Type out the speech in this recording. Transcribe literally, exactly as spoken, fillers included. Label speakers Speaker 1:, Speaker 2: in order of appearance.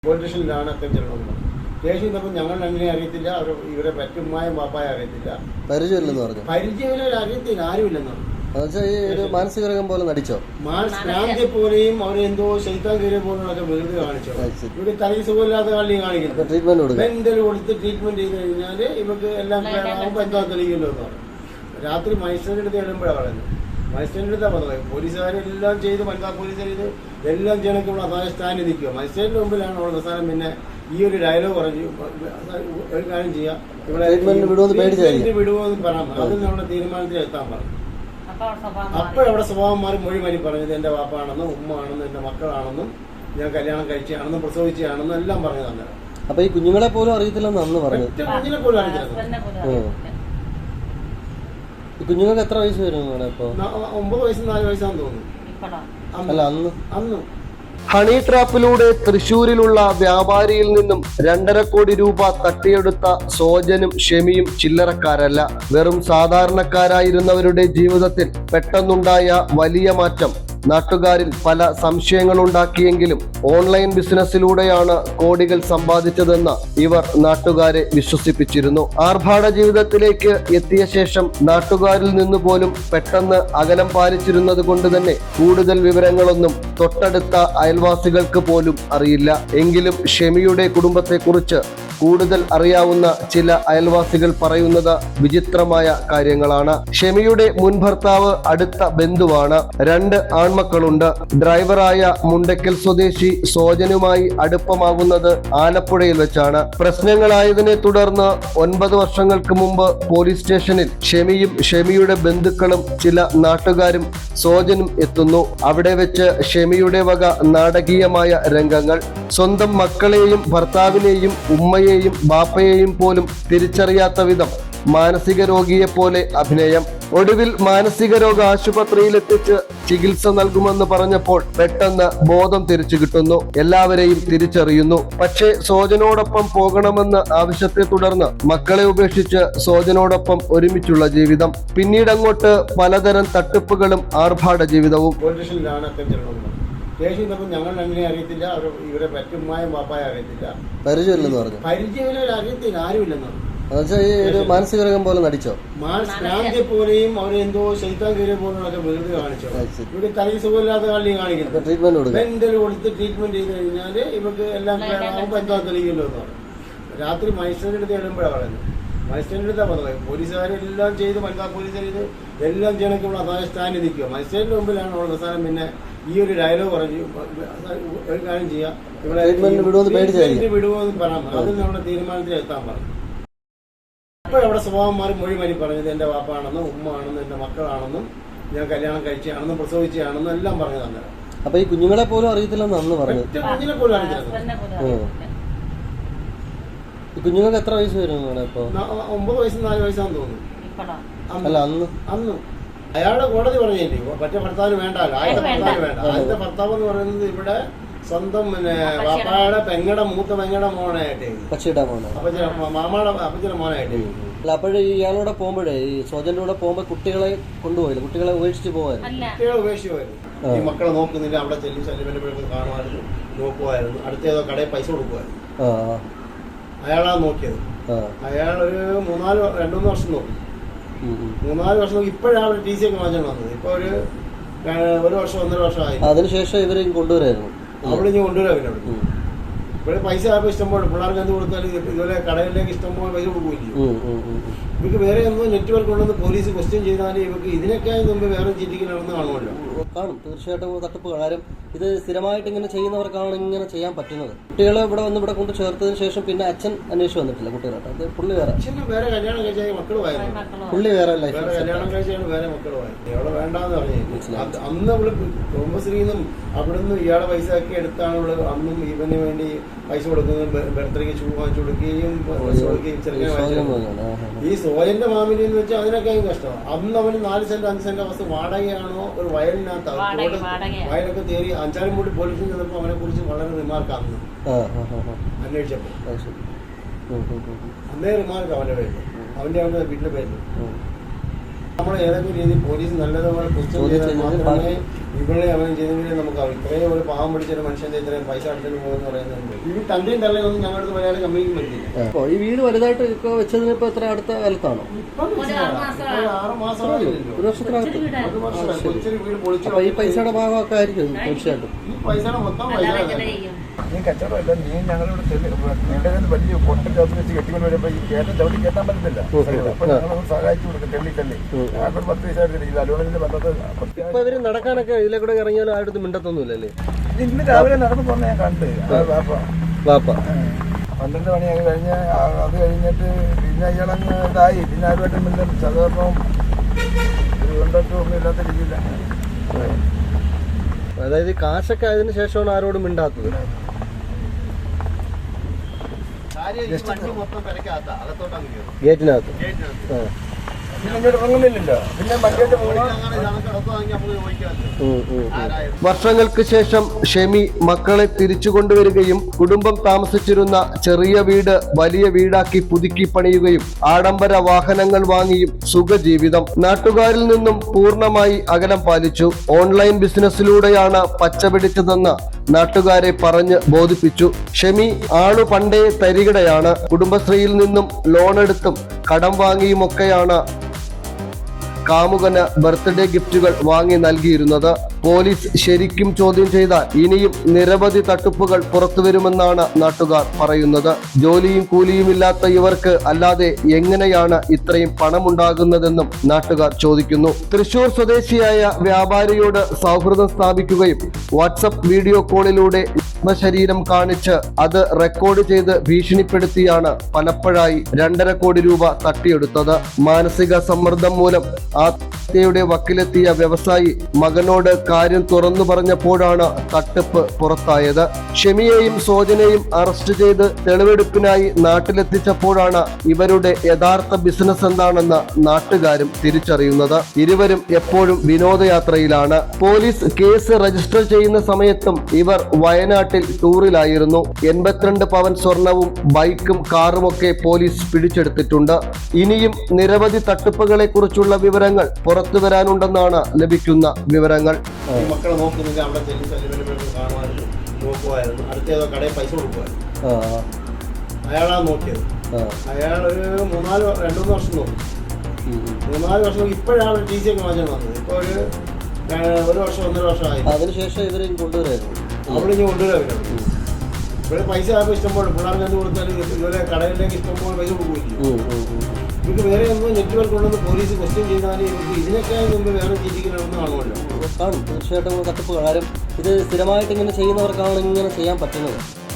Speaker 1: പൊളിറ്റീഷ്യനിലാണ് അത്തരം ചെല്ലണമെന്ന് ദേഷ്യം തമ്മിൽ ഞങ്ങൾ അങ്ങനെ അറിയത്തില്ല. അവർ ഇവരെ പറ്റുമായും പാപ്പായ അറിയത്തില്ല.
Speaker 2: പരിചയമില്ലെന്ന് പറഞ്ഞു.
Speaker 1: പരിചയം അറിയത്തില്ല, ആരുമില്ലെന്ന്
Speaker 2: പറഞ്ഞു. മാനസിക രോഗം പോലെ നടിച്ചോ?
Speaker 1: മാനസിക പോലെയും അവരെന്തോ ശൈത്താൻ കയറിയ പോലുള്ളൊക്കെ വെറുതെ കാണിച്ചോ. ഇവിടെ തലയിൽ സുഖമില്ലാത്ത കളി കാണിക്കുന്നത്.
Speaker 2: ട്രീറ്റ്മെന്റ് കൊടുക്കും.
Speaker 1: മെന്റൽ കൊടുത്ത് ട്രീറ്റ്മെന്റ് ചെയ്ത് കഴിഞ്ഞാൽ ഇവർക്ക് എല്ലാം ആകുമ്പോൾ എന്താ തെളിയില്ലോ എന്ന് പറഞ്ഞു. രാത്രി മജിസ്ട്രേറ്റിന്റെ അടുത്ത് ചെല്ലുമ്പോഴാണ് പറയുന്നത്. മജിസ്ട്രേറ്റിന്റെ അടുത്താണ് പറഞ്ഞത്. പോലീസുകാരെല്ലാം ചെയ്ത് വനിതാ പോലീസുകാർ ഇത് എല്ലാം ചെയ്യണമെങ്കിൽ ഇവിടെ അതായത് സ്റ്റാൻഡ് നിൽക്കുക. മജിസ്ട്രേറ്റിന്റെ മുമ്പിലാണ് ഉള്ള അവസാനം പിന്നെ ഈ ഒരു ഡയലോഗ് പറഞ്ഞു, ഒരു കാര്യം ചെയ്യാം, ഇവിടെ വിടുവോന്ന് പറയാൻ അതിൽ നമ്മുടെ തീരുമാനത്തിൽ എത്താൻ പറഞ്ഞു. അപ്പോഴവിടെ സ്വഭാവം മാറി മൊഴി മാറി പറഞ്ഞത് എന്റെ വാപ്പാണെന്നും ഉമ്മ ആണെന്നും എന്റെ മക്കളാണെന്നും ഞാൻ കല്യാണം കഴിച്ചാണെന്നും പ്രസവിച്ചാണെന്നും എല്ലാം പറഞ്ഞു തന്നെ.
Speaker 2: അപ്പൊ ഈ കുഞ്ഞുങ്ങളെ പോലും അറിയത്തില്ലെന്ന് അന്ന് പറഞ്ഞു.
Speaker 1: കുഞ്ഞിനെ പോലും അറിയത്തില്ല.
Speaker 2: ഈ കുഞ്ഞുങ്ങൾക്ക് എത്ര വയസ്സ് വരും ഇപ്പൊ?
Speaker 1: ഒമ്പത് വയസ്സ് നാല് വയസ്സാന്ന് തോന്നുന്നു.
Speaker 2: അല്ല അന്ന്
Speaker 1: അന്ന്
Speaker 2: ഹണി ട്രാപ്പിലൂടെ തൃശൂരിലുള്ള വ്യാപാരിയിൽ നിന്നും രണ്ടര കോടി രൂപ തട്ടിയെടുത്ത സോജനും ഷെമിയും ചില്ലറക്കാരല്ല. വെറും സാധാരണക്കാരായിരുന്നവരുടെ ജീവിതത്തിൽ പെട്ടെന്നുണ്ടായ വലിയ മാറ്റം നാട്ടുകാരിൽ പല സംശയങ്ങളുണ്ടാക്കിയെങ്കിലും ഓൺലൈൻ ബിസിനസ്സിലൂടെയാണ് കോടികൾ സമ്പാദിച്ചതെന്ന് ഇവർ നാട്ടുകാരെ വിശ്വസിപ്പിച്ചിരുന്നു. ആർഭാട ജീവിതത്തിലേക്ക് എത്തിയ ശേഷം നാട്ടുകാരിൽ നിന്ന് പോലും പെട്ടെന്ന് അകലം പാലിച്ചിരുന്നത് കൊണ്ട് തന്നെ കൂടുതൽ വിവരങ്ങളൊന്നും തൊട്ടടുത്ത അയൽവാസികൾക്ക് പോലും അറിയില്ല. എങ്കിലും ഷെമിയുടെ കുടുംബത്തെക്കുറിച്ച് കൂടുതൽ അറിയാവുന്ന ചില അയൽവാസികൾ പറയുന്നത് വിചിത്രമായ കാര്യങ്ങളാണ്. ഷെമിയുടെ മുൻ ഭർത്താവ് അടുത്ത ബന്ധുവാണ്. രണ്ട് ആൺമക്കളുണ്ട്. ഡ്രൈവറായ മുണ്ടക്കൽ സ്വദേശി സോജനുമായി അടുപ്പമാകുന്നത് ആലപ്പുഴയിൽ വെച്ചാണ്. പ്രശ്നങ്ങളായതിനെ തുടർന്ന് ഒൻപത് വർഷങ്ങൾക്ക് മുമ്പ് പോലീസ് സ്റ്റേഷനിൽ ഷെമിയും ഷെമിയുടെ ബന്ധുക്കളും ചില നാട്ടുകാരും സോജനും എത്തുന്നു. അവിടെ വെച്ച് ഷെമിയുടെ വക നാടകീയമായ രംഗങ്ങൾ. സ്വന്തം മക്കളെയും ഭർത്താവിനെയും ഉമ്മയെയും ബാപ്പയെയും പോലും തിരിച്ചറിയാത്ത വിധം മാനസിക രോഗിയെ പോലെ അഭിനയം. ഒടുവിൽ മാനസിക രോഗ ആശുപത്രിയിലെത്തിച്ച് ചികിത്സ നൽകുമെന്ന് പറഞ്ഞപ്പോൾ പെട്ടെന്ന് ബോധം തിരിച്ചു കിട്ടുന്നു. എല്ലാവരെയും തിരിച്ചറിയുന്നു. പക്ഷേ സോജനോടൊപ്പം പോകണമെന്ന് ആവശ്യത്തെ തുടർന്ന് മക്കളെ ഉപേക്ഷിച്ച് സോജനോടൊപ്പം ഒരുമിച്ചുള്ള ജീവിതം. പിന്നീടങ്ങോട്ട് പലതരം തട്ടിപ്പുകളും ആർഭാട ജീവിതവും.
Speaker 1: ദേഷ്യം തമ്മിൽ ഞങ്ങൾ അങ്ങനെ അറിയത്തില്ല. അവർ ഇവരെ പറ്റുമായും പാപ്പായ അറിയത്തില്ല.
Speaker 2: പരിചയമില്ലെന്ന് പറഞ്ഞു.
Speaker 1: പരിചയം അറിയത്തില്ല, ആരുമില്ലെന്ന് പറഞ്ഞു.
Speaker 2: മാനസിക രോഗം പോലെ നടിച്ചോ?
Speaker 1: മാനസിക പോലെയും അവരെന്തോ ശൈത്താൻ കയറിയ പോലുള്ളൊക്കെ വെറുതെ കാണിച്ചോ. ഇവിടെ തലയിൽ സുഖമില്ലാത്ത കളി കാണിക്കുന്നത്.
Speaker 2: ട്രീറ്റ്മെന്റ് കൊടുക്കും.
Speaker 1: മെന്റൽ കൊടുത്ത് ട്രീറ്റ്മെന്റ് ചെയ്ത് കഴിഞ്ഞാൽ ഇവർക്ക് എല്ലാം ആകുമ്പോൾ എന്താ തെളിയില്ലോ എന്ന് പറഞ്ഞു. രാത്രി മജിസ്ട്രേറ്റിന്റെ അടുത്ത് ചെല്ലുമ്പോഴാണ് പറയുന്നത്. മജിസ്ട്രേറ്റിന്റെ അടുത്താണ് പറഞ്ഞത്. പോലീസുകാരെല്ലാം ചെയ്ത് വനിതാ പോലീസുകാർ ഇത് എല്ലാം ചെയ്യണമെങ്കിൽ ഇവിടെ അതായത് സ്റ്റാൻഡ് നിൽക്കുക. മജിസ്ട്രേറ്റിന്റെ മുമ്പിലാണ് ഉള്ള അവസാനം പിന്നെ ഈ ഒരു ഡയലോഗ് പറഞ്ഞു, ഒരു കാര്യം ചെയ്യാം, ഇവിടെ വിടുവോന്ന് പറയാൻ അതിൽ നമ്മുടെ തീരുമാനത്തിൽ എത്താൻ പറഞ്ഞു. അപ്പോഴവിടെ സ്വഭാവം മാറി മൊഴി മാറി പറഞ്ഞത് എന്റെ വാപ്പാണെന്നും ഉമ്മ ആണെന്നും എന്റെ മക്കളാണെന്നും ഞാൻ കല്യാണം കഴിച്ചാണെന്നും പ്രസവിച്ചാണെന്നും എല്ലാം പറഞ്ഞു തന്നെ.
Speaker 2: അപ്പൊ ഈ കുഞ്ഞുങ്ങളെ പോലും അറിയത്തില്ലെന്ന് അന്ന് പറഞ്ഞു.
Speaker 1: കുഞ്ഞിനെ പോലും അറിയത്തില്ല.
Speaker 2: ഈ കുഞ്ഞുങ്ങൾക്ക് എത്ര വയസ്സ് വരും ഇപ്പൊ?
Speaker 1: ഒമ്പത് വയസ്സ് നാല് വയസ്സാന്ന് തോന്നുന്നു.
Speaker 2: അല്ല അന്ന്
Speaker 1: അന്ന് അയാളുടെ കോടതി പറഞ്ഞില്ലേ മറ്റേ ഭർത്താവിന് വേണ്ടല്ലോ. ആദ്യത്തെ ഭർത്താവിന് വേണ്ട. ആദ്യത്തെ ഭർത്താവ് എന്ന് പറയുന്നത് ഇവിടെ സ്വന്തം പിന്നെ പാപ്പായുടെ പെങ്ങടെ മൂത്ത പെങ്ങടെ മോനായിട്ട്
Speaker 2: പക്ഷിയുടെ മോനെ
Speaker 1: മാമാടെ അപ്പച്ചയുടെ മോനായിട്ട്.
Speaker 2: അല്ല അപ്പോഴേ ഇയാളോടെ പോകുമ്പോഴേ ഈ സോജന്റെ കൂടെ പോകുമ്പോ കുട്ടികളെ കൊണ്ടുപോയില്ല, കുട്ടികളെ ഉപേക്ഷിച്ച് പോവായിരുന്നു.
Speaker 1: കുട്ടികളെ ഉപേക്ഷിച്ച് പോയിരുന്നു. ഈ മക്കളെ നോക്കുന്നില്ല. അവിടെ ചെല്ലി ശല്യപ്പെടുമ്പോഴൊക്കെ കാണുമായിരുന്നു, നോക്കുമായിരുന്നു. അടുത്തേതോ കടയിൽ പൈസ കൊടുക്കുമായിരുന്നു. അയാളാ നോക്കിയത്. അയാൾ ഒരു മൂന്നാല് രണ്ടു മൂന്ന് വർഷം നോക്കി. മൂന്നാല് വർഷം നോക്കി. ഇപ്പോഴാണ് ടി സി ഒക്കെ വാങ്ങിച്ചു വന്നത്. ഇപ്പൊ ഒരു ഒരു വർഷം ഒന്നര വർഷം ആയി.
Speaker 2: അതിനുശേഷം ഇവരെ കൊണ്ടുവരായിരുന്നു.
Speaker 1: അവിടെ ഇനി കൊണ്ടുവരാം. പിന്നെ അവിടെ ഇവിടെ പൈസ ആയപ്പോൾ ഇഷ്ടംപോലെ പിള്ളേർക്ക് എന്ത് കൊടുത്താലും ഇതുപോലെ കടകളിലേക്ക് ഇഷ്ടംപോലെ പൈസ കൊടുക്കില്ലേ. ഇവർക്ക് വേറെ എന്തോ നെറ്റ്വർക്ക് ഉണ്ടെന്ന് പോലീസ് ക്വസ്റ്റ്യൻ ചെയ്താൽ ഇവർക്ക് ഇതിനൊക്കെ മുമ്പ് വേറെ ചീറ്റിക്ക് നടന്ന് കാണുമല്ലോ.
Speaker 2: കാണും തീർച്ചയായിട്ടും തട്ടിപ്പ്. കാര്യം ഇത് സ്ഥിരമായിട്ട് ഇങ്ങനെ ചെയ്യുന്നവർക്കാണ് ഇങ്ങനെ ചെയ്യാൻ പറ്റുന്നത്. കുട്ടികളെ ഇവിടെ വന്ന് ഇവിടെ കൊണ്ട് ചേർത്തതിന് ശേഷം പിന്നെ അച്ഛൻ അന്വേഷിച്ച് വന്നിട്ടില്ല കുട്ടികളായിട്ട്. അത് പുള്ളി വേറെ
Speaker 1: അച്ഛന് വേറെ കല്യാണം കഴിച്ചാൽ മക്കളുമായിരുന്നു.
Speaker 2: പുള്ളി വേറെ ലൈഫ്
Speaker 1: വേറെ കല്യാണം കഴിച്ചാൽ വേറെ മക്കളുമായിരുന്നു. ഇയാളെ വേണ്ടാന്ന് പറഞ്ഞു. അന്ന് അവള് കുടുംബശ്രീന്നും അവിടുന്ന് ഇയാളെ പൈസ ഒക്കെ എടുത്താണ് ഇവള് അന്നും ഇവന് വേണ്ടി പൈസ കൊടുക്കുന്നത്. ബർത്ത്ഡേക്ക് ഷൂ വാങ്ങിച്ചു കൊടുക്കുകയും ഈ സോയന്റെ മാമിലി എന്ന് വെച്ചാൽ അതിനൊക്കെ കഷ്ടമാണ്. അന്ന് അവന് നാല് സെന്റ് അഞ്ച് സെന്റ് അവസ്ഥ വാടകയാണോ ഒരു വയലിനകത്ത് വയലൊക്കെ തേറി അഞ്ചാലും കൂടി പോലീസിൽ ചെന്നപ്പോൾ അവനെ കുറിച്ച് വളരെ റിമാർക്ക് അന്ന് അന്വേഷിച്ചപ്പോൾ അന്നേ റിമാർക്ക് അവന്റെ പേര്, അവന്റെ അവന്റെ വീട്ടിലെ പേര്. നമ്മൾ ഏതെങ്കിലും രീതിയിൽ പോലീസ് നല്ലതുപോലെ ക്വസ്റ്റ്യൻ ചെയ്താൽ മാത്രമേ ഇവിടെ അങ്ങനെ ചെയ്തെങ്കിലേ നമുക്ക് ഇത്രയും ഒരു പാവം പിടിച്ചൊരു മനുഷ്യന്റെ ഇത്രയും പൈസ അടിച്ചിട്ട് പോകുമെന്ന് പറയുന്നത് ഈ തന്റെയും തള്ളയൊന്നും ഞങ്ങളുടെ മലയാളി കമ്പനിക്ക് പറ്റില്ല.
Speaker 2: അപ്പോൾ ഈ വീട് വലുതായിട്ട് ഇപ്പോൾ വെച്ചതിന് ഇപ്പോൾ എത്ര അടുത്ത കാലത്താണോ?
Speaker 1: ആറ് മാസമായില്ലോ,
Speaker 2: ഒരു വർഷത്തിനകത്ത്.
Speaker 1: ഒരു വർഷം കൊച്ചൊരു വീട് പൊളിച്ചു.
Speaker 2: അപ്പോൾ ഈ പൈസയുടെ ഭാഗമൊക്കെ ആയിരിക്കും തീർച്ചയായിട്ടും.
Speaker 1: ഈ പൈസയുടെ മൊത്തം പൈസ
Speaker 3: നീ കച്ചവടമല്ല, നീ ഞങ്ങളിവിടെ നിന്റെ വലിയ പൊട്ടൻ ചോദിച്ച് വെച്ച് കെട്ടിക്കൊണ്ട് വരുമ്പോ ഈ കേട്ടൻ ചവിട്ടി കേട്ടാൻ പറ്റത്തില്ല. അപ്പൊ ഞങ്ങളൊന്ന് സഹായിച്ചു കൊടുക്കും, തെള്ളി തള്ളി ഞാനൊരു പത്ത് പൈസ എടുത്തില്ല. ഇത് അലോണിന്റെ ബന്ധത്ത്
Speaker 2: ഇപ്പൊ ഇവര് നടക്കാനൊക്കെ ഇതിലെ കൂടെ ഇറങ്ങിയാലും ആരുടെ മിണ്ടത്തൊന്നുമില്ലല്ലേ?
Speaker 3: ഇന്ന് രാവിലെ നടന്നു പോന്ന ഞാൻ കണ്ട്.
Speaker 2: വാപ്പ
Speaker 3: പന്ത്രണ്ട് മണിയൊക്കെ കഴിഞ്ഞ് അത് കഴിഞ്ഞിട്ട് പിന്നെ ഇയാളങ്ങ് ഇതായി. പിന്നെ ആരുമായിട്ടും മിണ്ടും സഹകരണവും ഒരു കൊണ്ടൊക്കെ ഒന്നും ഇല്ലാത്ത രീതിയിലാണ്.
Speaker 2: അതായത് കാശൊക്കെ അതിന് ശേഷമാണ് ആരോടും മിണ്ടാത്തത്. ഗേറ്റിനകത്ത്
Speaker 3: പിന്നെ ഇങ്ങോട്ട് ഇറങ്ങുന്നില്ലല്ലോ. പിന്നെ വണ്ടിയുടെ
Speaker 2: വർഷങ്ങൾക്ക് ശേഷം ഷെമി മക്കളെ തിരിച്ചു കൊണ്ടുവരികയും കുടുംബം താമസിച്ചിരുന്ന ചെറിയ വീട് വലിയ വീടാക്കി പുതുക്കി പണിയുകയും ആഡംബര വാഹനങ്ങൾ വാങ്ങിയും സുഖജീവിതം. നാട്ടുകാരിൽ നിന്നും പൂർണ്ണമായി അകലം പാലിച്ചു. ഓൺലൈൻ ബിസിനസ്സിലൂടെയാണ് പച്ചപിടിച്ചതെന്ന് നാട്ടുകാരെ പറഞ്ഞ് ബോധിപ്പിച്ചു. ഷെമി ആളു പണ്ടേ തരികിടയാണ്. കുടുംബശ്രീയിൽ നിന്നും ലോണെടുത്തും കടം വാങ്ങിയുമൊക്കെയാണ് കാമുകന് ബർത്ത്ഡേ ഗിഫ്റ്റുകൾ വാങ്ങി നൽകിയിരുന്നത്. പോലീസ് ശരിക്കും ചോദ്യം ചെയ്താൽ ഇനിയും നിരവധി തട്ടിപ്പുകൾ പുറത്തുവരുമെന്നാണ് നാട്ടുകാർ പറയുന്നത്. ജോലിയും കൂലിയും ഇല്ലാത്ത ഇവർക്ക് അല്ലാതെ എങ്ങനെയാണ് ഇത്രയും പണമുണ്ടാകുന്നതെന്നും നാട്ടുകാർ ചോദിക്കുന്നു. തൃശൂർ സ്വദേശിയായ വ്യാപാരിയോട് സൗഹൃദം സ്ഥാപിക്കുകയും വാട്സപ്പ് വീഡിയോ കോളിലൂടെ ശരീരം കാണിച്ച് അത് റെക്കോർഡ് ചെയ്ത് ഭീഷണിപ്പെടുത്തിയാണ് പലപ്പോഴായി രണ്ടര കോടി രൂപ തട്ടിയെടുത്തത്. മാനസിക സമ്മർദ്ദം മൂലം ആത്മഹത്യയുടെ വക്കിലെത്തിയ വ്യവസായി മകനോട് കാര്യം തുറന്നു പറഞ്ഞപ്പോഴാണ് തട്ടിപ്പ് പുറത്തായത്. ഷെമിയെയും സോജനെയും അറസ്റ്റ് ചെയ്ത് തെളിവെടുപ്പിനായി നാട്ടിലെത്തിച്ചപ്പോഴാണ് ഇവരുടെ യഥാർത്ഥ ബിസിനസ് എന്താണെന്ന് നാട്ടുകാരും തിരിച്ചറിയുന്നത്. ഇരുവരും എപ്പോഴും വിനോദയാത്രയിലാണ്. പോലീസ് കേസ് രജിസ്റ്റർ ചെയ്യുന്ന സമയത്തും ഇവർ വയനാട്ടിൽ ടൂറിലായിരുന്നു. എൺപത്തിരണ്ട് പവൻ സ്വർണവും ബൈക്കും കാറുമൊക്കെ പോലീസ് പിടിച്ചെടുത്തിട്ടുണ്ട്. ഇനിയും നിരവധി തട്ടിപ്പുകളെ കുറിച്ചുള്ള വിവരങ്ങൾ പുറത്തു വരാനുണ്ടെന്നാണ് ലഭിക്കുന്ന വിവരങ്ങൾ.
Speaker 1: മക്കളെ നോക്കുന്നില്ല, അവിടെ കാണുമായിരുന്നു, നോക്കുമായിരുന്നു. അടുത്തേതോ കടയിൽ പൈസ കൊടുക്കുമായിരുന്നു. അയാളാണ് നോക്കിയത്. അയാൾ ഒരു മൂന്നാല് രണ്ടു മൂന്ന് വർഷം നോക്കി. മൂന്നാല് വർഷം ഇപ്പോഴാണ് ടി സി ഒക്കെ മാറ്റാൻ വന്നത്. ഇപ്പൊ ഒരു ഒരു വർഷം ഒന്നര വർഷമായി.
Speaker 2: അതിനുശേഷം ഇവരെ കൊണ്ടുവരായിരുന്നു.
Speaker 1: അവിടെ ഇനി കൊണ്ടുവരാറുണ്ട്. ഇവിടെ പൈസ ആർക്കും ഇഷ്ടംപോലെ പിള്ളേർക്ക് എന്ത് കൊടുത്താലും ഇതുപോലെ കടയിലേക്ക് ഇഷ്ടംപോലെ പൈസ കൊടുക്കുകയില്ല. ഇവർക്ക് വേറെ ഒന്നും നെറ്റ്വർക്ക് ഉണ്ടെന്ന് പോലീസ് ക്വസ്റ്റ്യൻ ചെയ്താൽ ഇവർക്ക് ഇതിനൊക്കെ മുമ്പ് വേറെ ചിന്തിക്കുന്നതൊന്നും കാണുമല്ലോ.
Speaker 2: കാണും തീർച്ചയായിട്ടും തട്ടിപ്പ്. കാര്യം ഇത് സ്ഥിരമായിട്ട് ഇങ്ങനെ ചെയ്യുന്നവർക്കാണ് ഇങ്ങനെ ചെയ്യാൻ പറ്റുന്നത്.